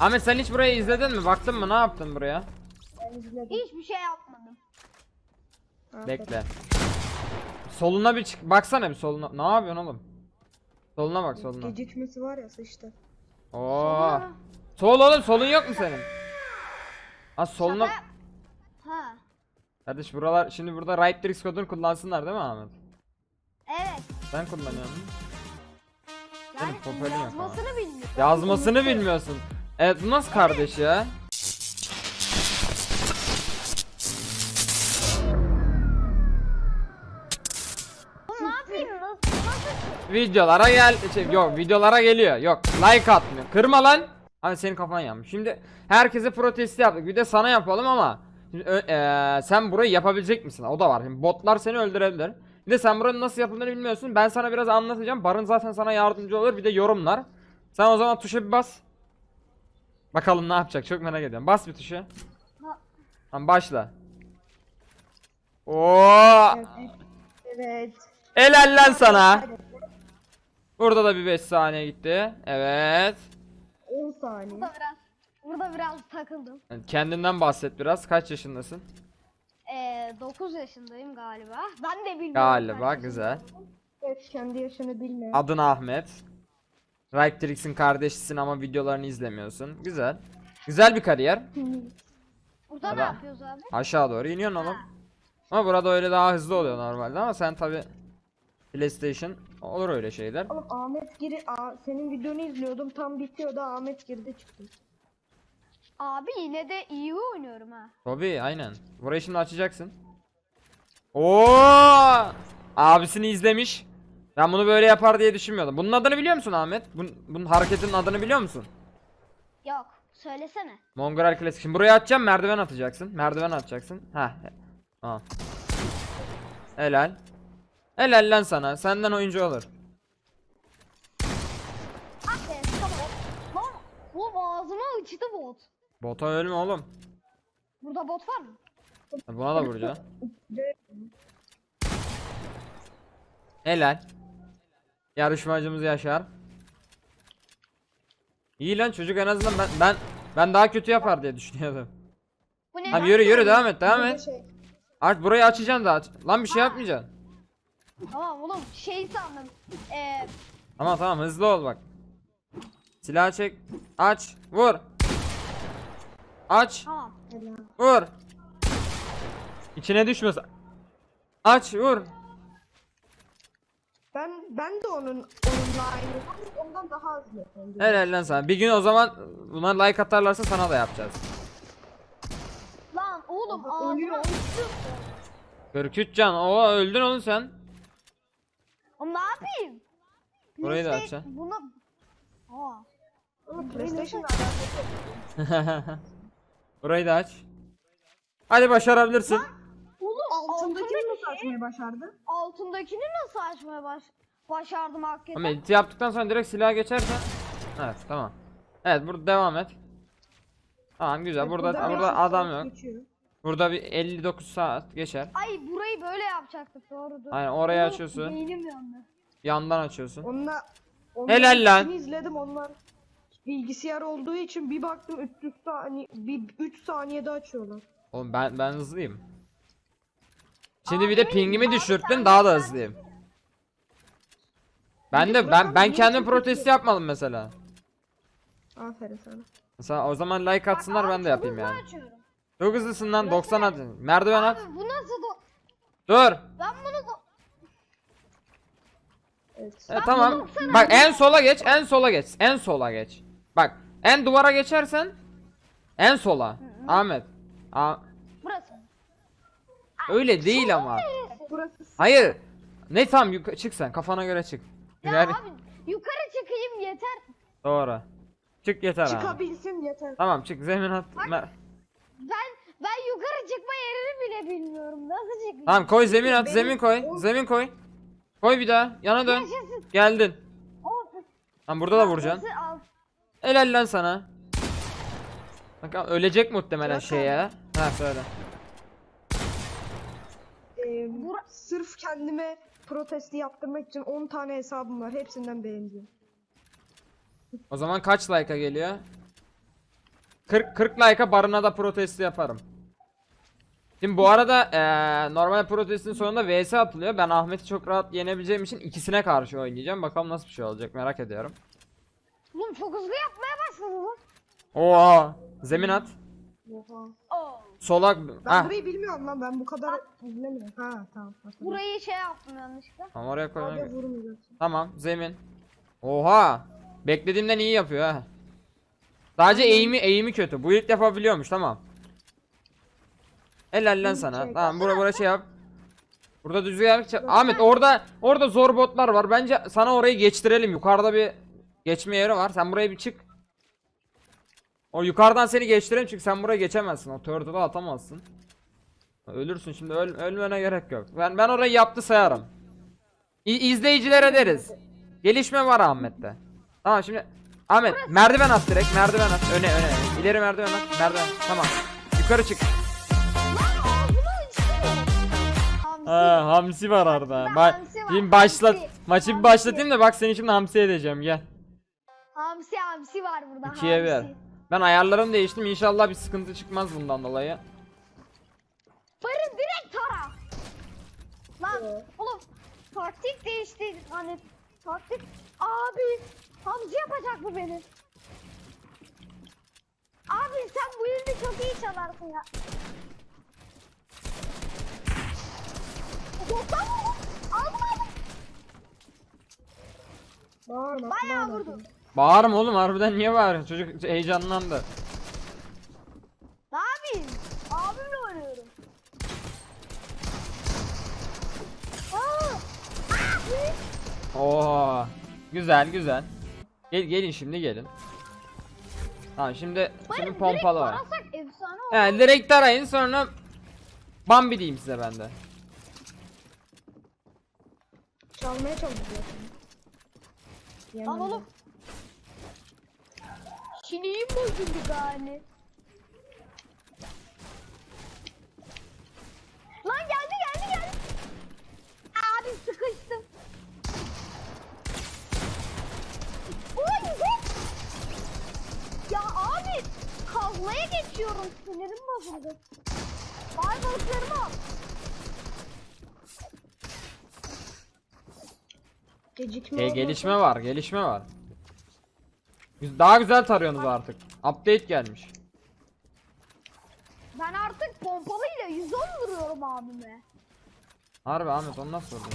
Ahmet sen hiç burayı izledin mi? Baktın mı? Ne yaptın buraya? Ben izledim. Hiçbir şey yapmadım. Bekle. Soluna bir çık. Baksana bir soluna. Ne yapıyorsun oğlum? Soluna bak soluna. Gecikmesi var ya sıçtı. Oo. Sol oğlum, solun yok mu senin? Ha soluna. Şaka yap- Ha. Kardeş buralar şimdi burada right tricks kodunu kullansınlar değil mi Ahmet? Evet. Sen kullanıyorsun. Yani popüler yok yazmasını bilmiyorum. Yazmasını bilmiyorsun. Evet bu nasıl kardeş ya? Ne yapayım? Nasıl? Videolara gel yok videolara geliyor. Yok like atmıyor. Kırma lan. Hani senin kafan yanmış. Şimdi herkese protesti yaptık. Bir de sana yapalım ama şimdi, sen burayı yapabilecek misin? O da var. Şimdi botlar seni öldürebilir. Bir de sen buranın nasıl yapıldığını bilmiyorsun. Ben sana biraz anlatacağım. Barın zaten sana yardımcı olur. Bir de yorumlar. Sen o zaman tuşa bir bas. Bakalım ne yapacak. Çok merak ediyorum. Bas bir tuşa. Tamam başla. Oo! Evet. Helal lan sana. Burada da bir 5 saniye gitti. Evet. 10 saniye. Burada biraz takıldım. Kendinden bahset biraz. Kaç yaşındasın? 9 yaşındayım galiba. Ben de bilmiyorum. Galiba kaç güzel. Evet, kendi yaşını bilmiyor. Adın Ahmet. Riptrix'in kardeşisin ama videolarını izlemiyorsun. Güzel. Güzel bir kariyer. Burada ne Ada- yapıyoruz abi? Aşağı doğru iniyorsun oğlum. Ama burada öyle daha hızlı oluyor normalde ama sen tabi PlayStation olur öyle şeyler. Oğlum Ahmet senin videonu izliyordum, tam bitiyordu, Ahmet girdi çıktı. Abi yine de iyi oynuyorum ha. Tabi aynen. Burayı şimdi açacaksın. Oo! Abisini izlemiş. Ben bunu böyle yapar diye düşünmüyordum. Bunun adını biliyor musun Ahmet? Bunun hareketinin adını biliyor musun? Yok. Söylesene. Mongol klasik. Şimdi buraya atacağım, merdiven atacaksın. Merdiven atacaksın. Ha. Ha. Helal. Helal lan sana. Senden oyuncu olur. Ah be. Tamam. Lan. Bu ağzıma uçtu bot. Bota ölme oğlum. Burada bot var mı? Buna da vuracağım. Helal. Yarışmacımız Yaşar. İyi lan çocuk, en azından ben daha kötü yapar diye düşünüyordum. Bu ne? Abi yürü devam et devam Burada et. şey, Artık burayı açacaksın da aç. Lan bir şey yapmayacaksın. Tamam oğlum şey sandım. Tamam hızlı ol bak. Silah çek. Aç. Vur. Aç. Tamam. Vur. İçine düşmesin. Aç vur. ben de onunla aynı. Ondan daha hızlı. Helal lan sana. Bir gün o zaman buna like atarlarsa sana da yapacağız. Lan oğlum ağzıma Ölüyor. uçtu. 43 can. Oo öldün oğlum sen. Oğlum ne yapayım? Burayı da Neyse, açacaksın. Buna... Aa. Ama PlayStation'la alakası yok. Burayı da aç. Hadi başarabilirsin. Oğlum Altındakini nasıl açmayı başardı? altındakini nasıl açmaya başardım hakikaten? Ama edit yaptıktan sonra direkt silaha geçersen. Evet tamam. Evet burada devam et. Tamam güzel. Burada 500 adam saat yok. geçiyor. Burada bir 59 saat geçer. Ay burayı böyle yapacaktık doğrudur. Aynen oraya Oğlum, açıyorsun. Beynim yandı. Yandan açıyorsun. Onunla Helal lan. hepsini izledim, onlar bilgisayar olduğu için bir baktım 300 saniye, 3 saniyede açıyorlar. Oğlum ben hızlıyım. Şimdi bir Abi, de pingimi abi düşürttün, sen- daha da hızlıyım. Ben de ben niye kendim çok protest hızlı? yapmadım mesela. Aferin sana. Mesela o zaman like atsınlar, ben de Abi, yapayım çok hızlı yani. açıyorum. Çok hızlısın lan, 90 at. Merdiven at. Abi bu nasıl Dur. ben bunu Evet. Tamam. Bak en sola geç, en sola geç. En sola geç. Bak en duvara geçersen en sola. Ahmet. burası. Öyle değil ama. Burası Hayır. Ne tam çık sen, kafana göre çık. Ya Yani- abi yukarı çıkayım yeter. Doğru. Çık yeter abi. çıkabilsin yeter. Tamam çık, zemin at. Ben yukarı çıkma yerini bile bilmiyorum. Nasıl çıkayım? Tamam koy zemin at, Benim- zemin koy. Zemin koy. Koy bir daha. Yana dön. Yaşasın. Geldin. O- Tamam burada da vuracaksın. Nasıl al? Helal lan sana. Bak ölecek muhtemelen Bırak şey abi. ya. Ha söyle. Sırf kendime protesti yaptırmak için 10 tane hesabım var. Hepsinden beğeneceğim. O zaman kaç like'a geliyor? 40 like'a barına da protesto yaparım. Şimdi bu arada normal protestin sonunda vs atılıyor. Ben Ahmet'i çok rahat yenebileceğim için ikisine karşı oynayacağım. Bakalım nasıl bir şey olacak, merak ediyorum. Oğlum çok hızlı yapmaya başladı bu. Oha! Zemin at. Oha. Oo. Solak. Ben Hah. burayı bilmiyorum lan, ben bu kadar izlemiyorum. Ha tamam. Burayı şey yaptım yanlışlıkla. Tamam, oraya Hadi koyalım. vurmayacaksın. Tamam, zemin. Oha! Beklediğimden iyi yapıyor ha. Sadece eğimi kötü. Bu ilk defa biliyormuş, tamam. Helal lan sana. Çek. Tamam, bura şey yap. Burada düzgün yapacak. Ahmet orada zor botlar var. Bence sana orayı geçtirelim. Yukarıda bir geçme yeri var. Sen buraya bir çık. O yukarıdan seni geçtirelim çünkü sen buraya geçemezsin. O turtle'ı atamazsın. Ölürsün şimdi, ölmene gerek yok. Ben orayı yaptı sayarım. İzleyicilere deriz. Gelişme var Ahmet'te. Tamam şimdi Ahmet merdiven at, direkt merdiven at. Öne. İleri merdiven at. Merdiven. Tamam. Yukarı çık. Lan ağzını açtı. Hamsi. Hamsi var orada. Hamsi var, Şimdi başlat. hamsi. Maçı bir Hamsi. başlatayım da bak seni şimdi hamsi edeceğim, gel. Hamsi var burada. 2'ye 1. hamsi. Ben ayarlarımı değiştim. İnşallah bir sıkıntı çıkmaz bundan dolayı. Barın direkt tara. Lan oğlum taktik değişti hani taktik abi Hamsi yapacak bu beni. Abi sen bu yüzden çok iyi çalarsın ya. Boktan mı? Aldım. Bağırma. Bayağı bağırma. vurdum. Bağırma oğlum, harbiden niye bağırıyorsun? Çocuk heyecanlandı. Ne yapayım? Abimle oynuyorum. Aa! Oo. Güzel. Gelin şimdi gelin. Tamam şimdi Barın pompalı var. direkt tarasak efsane olur. Yani direkt arayın, sonra Bambi diyeyim size ben de. Çalmaya çalışıyorsun. Lan oğlum. Sineyim bozuldu gani. Lan geldi. Abi sıkıştım. Oy güzel. Ya abi kazmaya geçiyorum, sinirim bozuldu. Vay balıklarımı al. Gecikme oldu. Gelişme var. Daha güzel tarıyorsunuz artık. Update gelmiş. Ben artık pompalıyla 110 vuruyorum abime. Harbi Ahmet, onu nasıl vurdun?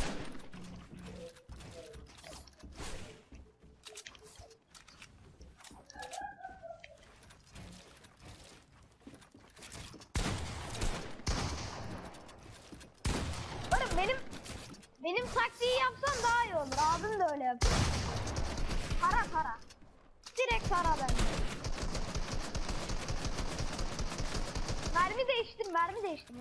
Oğlum benim taktiği yapsan daha iyi olur. Abim de öyle yapıyor. Para. Direkt para bende. Mermi değiştim.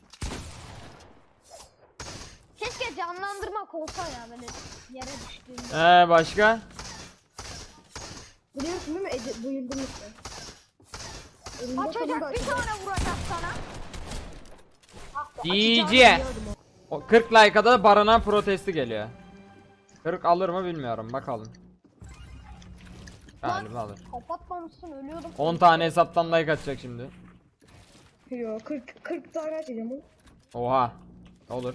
Keşke canlandırmak olsa ya, böyle yere düştüğümde. Başka? Biliyorsun değil mi? Bu yıldım işte. Elinde Açacak sonunda bir tane vuracak sana. DJ. biliyordum o. O 40 like'a da barına protesti geliyor. 40 alır mı bilmiyorum, bakalım. Galiba alır. Kapatmamışsın, ölüyordum. 10 tane hesaptan like atacak şimdi. Yo 40 tane açacağım onu. Oha. Olur.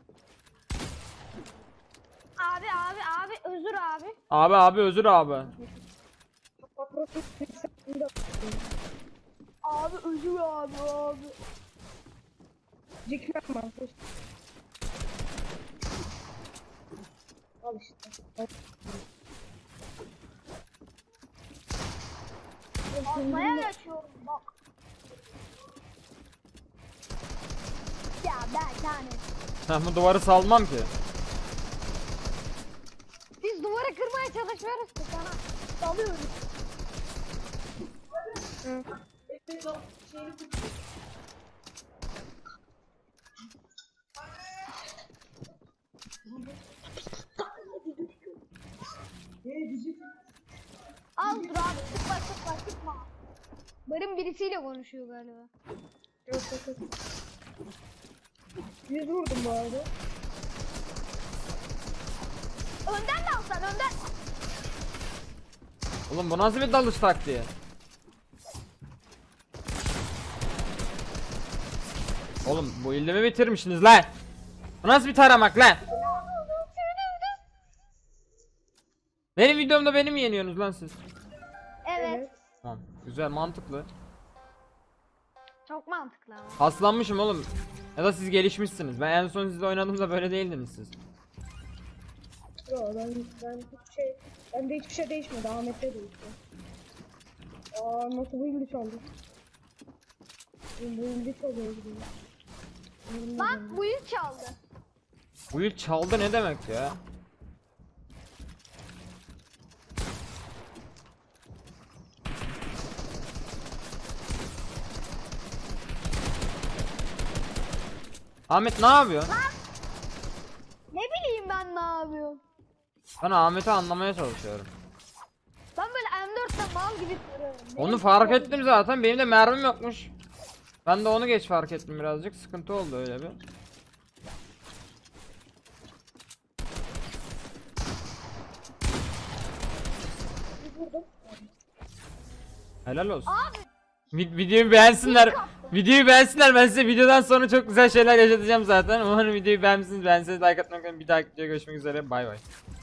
Abi özür abi. Abi özür abi. Abi özür abi. Gecikmem ben. Al işte. Almaya geçiyorum bak. Ya ben yani. Ben bu duvarı salmam ki. Biz duvarı kırmaya çalışmıyoruz ki sana. Dalıyoruz. Hı. Al dur abi, sıkma. Barın birisiyle konuşuyor galiba. Yok. 100 vurdum bu arada. Önden de alsan, önden. Oğlum bu nasıl bir dalış taktiği? Oğlum bu ilimi bitirmişsiniz lan. Bu nasıl bir taramak lan? Benim videomda beni mi yeniyorsunuz lan siz? Evet. Tamam. Güzel, mantıklı. Çok mantıklı ama. Paslanmışım oğlum. Ya da siz gelişmişsiniz. Ben en son sizle oynadığımda böyle değildiniz siz. Yo, bende hiçbir şey değişmedi. Ahmet'te değişti. Aa, nasıl bu ilgi çaldı? Bu ilgi çalıyor gibi. Bak bu yıl çaldı. Bu yıl çaldı ne demek ya? Ahmet ne yapıyor? Ne bileyim ben ne yapıyorum. Ben Ahmet'i anlamaya çalışıyorum. Ben böyle M4'te mal gibi duruyorum. Onu fark ettim zaten. Benim de mermim yokmuş. Ben de onu geç fark ettim birazcık. Sıkıntı oldu öyle bir. Helal olsun. Abi Videoyu beğensinler. Videoyu beğensinler. Ben size videodan sonra çok güzel şeyler yaşatacağım zaten. Umarım videoyu beğenmişsiniz. Beğenseniz like atmayı unutmayın. Bir dahaki videoya görüşmek üzere. Bay bay.